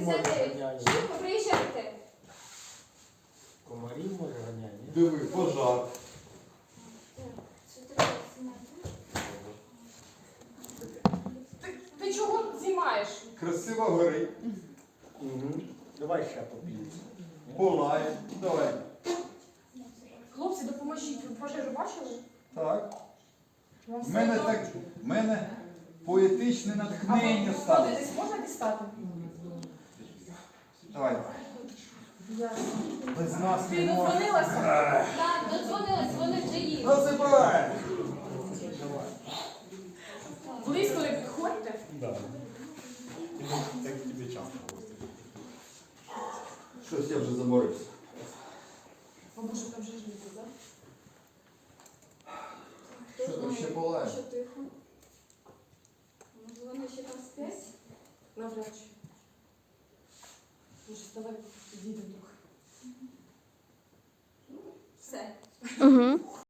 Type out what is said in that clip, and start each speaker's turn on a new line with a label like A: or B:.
A: може
B: 69.
A: ганяє.
B: Швидко приїжджайте.
A: Комарів може ганяє, ні?
C: Диви, пожар.
B: Ти чого знімаєш?
C: Красиво горить.
A: Угу. Давай ще попільці.
C: Полає. Давай.
B: Хлопці, допоможіть. Ви пожежу бачили?
C: Так.
B: Вам
C: В мене
B: все
C: так, в мене поетичне
B: А ви
C: натхнення стало.
B: десь можна дістати?
C: Давай. Без нас
B: Ти
C: не можна.
B: додзвонилася?
D: Так, додзвонились, вони вже їдуть.
C: Розібрай!
B: Близько не підходьте.
A: Да. Так тобі часто гості.
C: Щось я вже заморився.
B: Бабуша, там же ж не так?
C: Що там ще палає?
D: Що тихо? Може вони ще там сплять?
B: Навряд чи. Може, давай підійдемо трохи.
D: Все.
E: Угу.